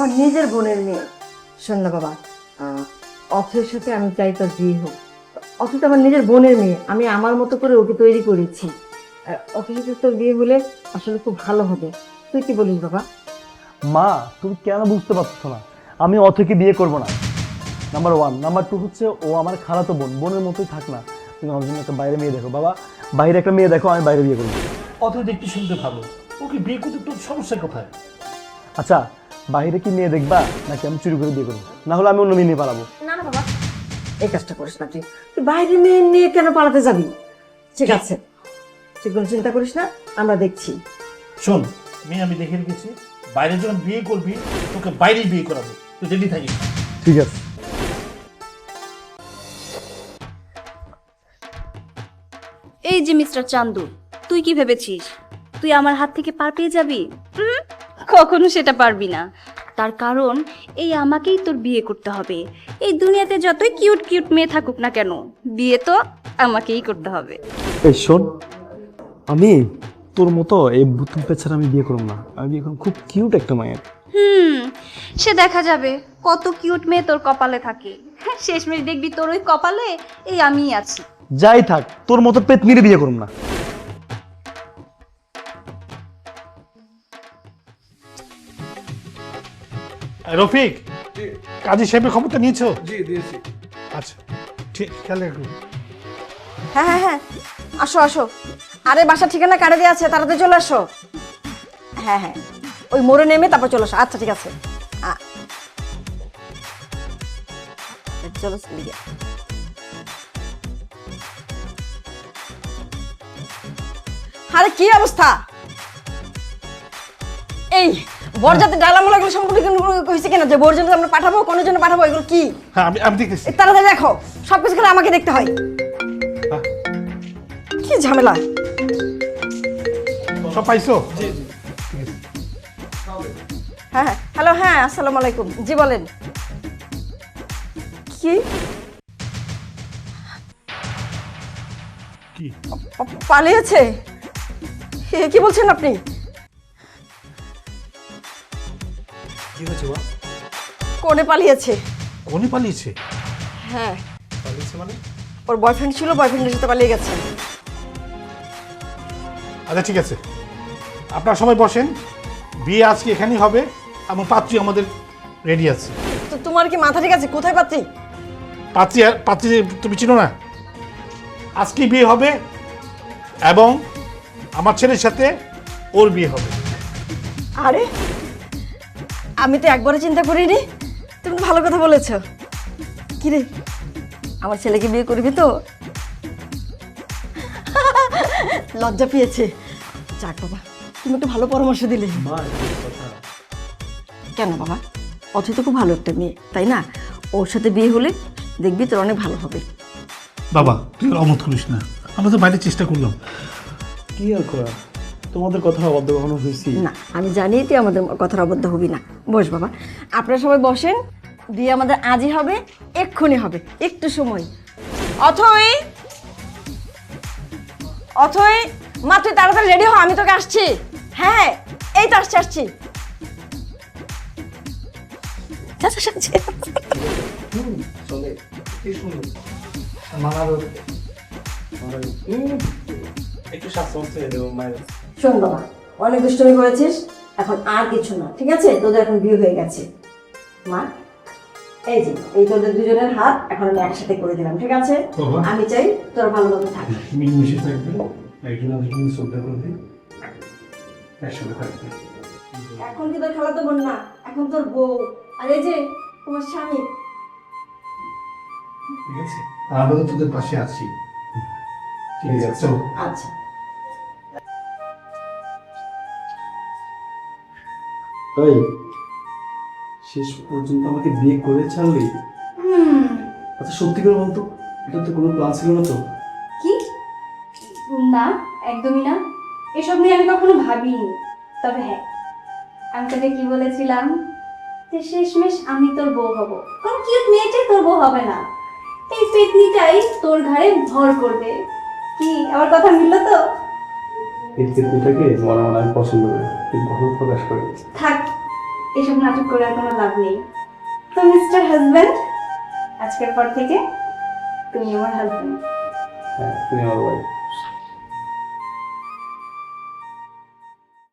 আমার নিজের বোনের মেয়ে। শোন না বাবা, অথয়ের সাথে আমি চাই তোর বিয়ে হোক। অথয় তো আমার নিজের বোনের মেয়ে, আমি আমার মতো করে ওকে তৈরি করেছি। অথয়ের সাথে তোর বিয়ে হলে আসলে খুব ভালো হবে। তুই কি বলিস বাবা? মা তুমি কেন বুঝতে পারছো না? আমি অথয়কে বিয়ে করব না, নাম্বার 1। নাম্বার 2 হচ্ছে ও আমার খালাতো বোন, বোনের মতোই থাক না। তুমি আমার জন্য একটা বাইরে মেয়ে দেখো বাবা, বাইরে একটা মেয়ে দেখো, আমি বাইরে বিয়ে করবো। অথয় দেখতে শুনতে ভালো, ওকে বিয়ে করতে তোর সমস্যা কোথায়? আচ্ছা বাইরে কি মেয়ে দেখবা নাকি আমি চুরি করে বিয়ে করবো? না হলে আমি অন্য মেয়ে নিয়ে পালাবো। না না বাবা, এই কাজটা করিস না। তুই তুই বাইরে মেয়ে নিয়ে কেন পালাতে যাবি? ঠিক আছে, তুই কোনো চিন্তা করিস না, আমরা দেখছি। শোন, মেয়ে আমি দেখে রেখেছি, বাইরে যখন বিয়ে করবি তোকে বাইরেই বিয়ে করাবো, তুই রেডি থাকিস। ঠিক আছে। এই যে মিস্টার চান্দু, তুই কি ভেবেছিস তুই আমার হাত থেকে পার পেয়ে যাবি? কখনো সেটা পারবি না। তার কারণ এই আমাকেই তোর বিয়ে করতে হবে। এই দুনিয়াতে যতই কিউট কিউট মেয়ে থাকুক না কেন, বিয়ে তো আমাকেই করতে হবে। এই শোন, আমি তোর মতো এই বুতুম পেছাড়া আমি বিয়ে করবো না। আমি বিয়ে করবো খুব কিউট একটা মায়ের। সে দেখা যাবে কত কিউট মেয়ে তোর কপালে থাকে। শেষমেশ দেখবি তোর ওই কপালে এই আমিই আছি। যাই থাক, তোর মতো পেতনিরে বিয়ে করবো না। রফিক, কাজী সাহেবের খবরটা নিয়েছো? জি দিয়েছি। আচ্ছা ঠিক, খেয়াল রাখো। হ্যাঁ হ্যাঁ হ্যাঁ, আসো আসো। আরে বাসার ঠিকানা কাটে দিয়ে আছে, তাড়াতাড়ি চলে আসো। হ্যাঁ হ্যাঁ, ওই মোড়ে নেমে তারপর চলে আসো। আচ্ছা ঠিক আছে, চলো লিগে। আরে কি অবস্থা? এই বরযাত্রী ডালামোলা গুলো সম্পর্কে হয়েছে কিনা, যে বরযাত্রী আমরা পাঠাবো, কোনের জন্য পাঠাবো, এগুলো কি? হ্যাঁ আমি দেখতেছি। তাড়াতাড়ি দেখো, সবকিছু খেলে আমাকে দেখতে হয়। হ্যাঁ। কি ঝামেলা! সব পাইছো? জি জি। হ্যাঁ হ্যাঁ, হ্যালো, হ্যাঁ আসসালামু আলাইকুম। জি বলেন। কি কি পালিয়েছে? কি বলছেন আপনি? কি হয়েছে মা? কোনে পালিয়েছে? কোনে পালিয়েছে? হ্যাঁ, পালিয়েছে মানে? ওর বয়ফ্রেন্ড ছিল, বয়ফ্রেন্ডের সাথে পালিয়ে গেছে। আচ্ছা ঠিক আছে, আপনারা সবাই বসেন, বিয়ে আজকে এখানেই হবে এবং পাত্রী আমাদের রেডি আছে। তো তোমার কি মাথা ঠিক আছে? কোথায় পাত্রী? পাত্রী তুমি চিনো না? আজকে বিয়ে হবে এবং আমার ছেলের সাথে ওর বিয়ে হবে। আরে আমি তো একবারও চিন্তা করিনি। তুমি তো ভালো কথা বলেছ। কি রে, আমার ছেলেকে বিয়ে করবি তো? লজ্জা পেয়েছে। যাক বাবা, তুমি একটু ভালো পরামর্শ দিলে। মা কথা। কেন বাবা, অথচ তো খুব ভালো একটা মেয়ে, তাই না? ওর সাথে বিয়ে হলে দেখবি তোর অনেক ভালো হবে। বাবা তুই অমত করিস না, আমরা তো বাইরে চেষ্টা করলাম। কি আর করা, তোমাদের কথা অবাধ্য কখনো হয়েছি? না, আমি জানি তুই আমাদের কথার অবদ্ধ হবি না। বস বাবা, আপনারা সবাই বসেন। বিয়ে আমাদের আজই হবে, এক্ষুনি হবে, একটু সময়। অথই, অথই মা, তুই তাড়াতাড়ি রেডি হ, আমি তোকে আসছি। হ্যাঁ এই তো আসছি আসছি। যা, যা, যা, যা। চলে কি সুন্দর মানারও একটু স্বাস্থ্য হচ্ছে মায়ের। শোন বাবা, অনেক দুষ্টুমি করেছিস, এখন আর কিছু না, ঠিক আছে? তোদের এখন বিয়ে হয়ে গেছে। মা, এই যে এই তোদের দুজনের হাত এখন আমি একসাথে করে দিলাম, ঠিক আছে? বাবা। আমি চাই তোরা ভালোভাবে থাকিস। মিলেমিশে থাকবে, একজন আরেকজনকে শ্রদ্ধা করবে, একসাথে থাকবে। এখন কি তোর খালাতো বোন না, এখন তোর বউ। আর এই যে তোমার স্বামী। ঠিক আছে, আর আমরা তো তোদের পাশে আছি। ঠিক আছে চলো। আচ্ছা, তাই শেষ পর্যন্ত আমাকে বিয়ে করে ছাড়লি? আচ্ছা সত্যি করে বলতো, এটা তো কোনো প্ল্যান ছিল না তো? কি না, একদমই না। এসব নিয়ে আমি কখনো ভাবিনি। তবে হ্যাঁ, আমি তোকে কি বলেছিলাম যে শেষমেশ আমি তোর বউ হব। কোন কিউট মেয়েটাই তোর বউ হবে না, এই পেতনিটাই তোর ঘাড়ে ভর করবে। কি আমার কথা মিললো তো? এই চিত্রটাকে মনে মনে আমি পছন্দ করি, কিন্তু ভালো প্রকাশ করি। থাক, এসব নাটক করে আর কোনো লাভ নেই। তো মিস্টার হাজব্যান্ড, আজকের পর থেকে তুমি আমার হাজব্যান্ড। হ্যাঁ, তুমি আমার ওয়াইফ।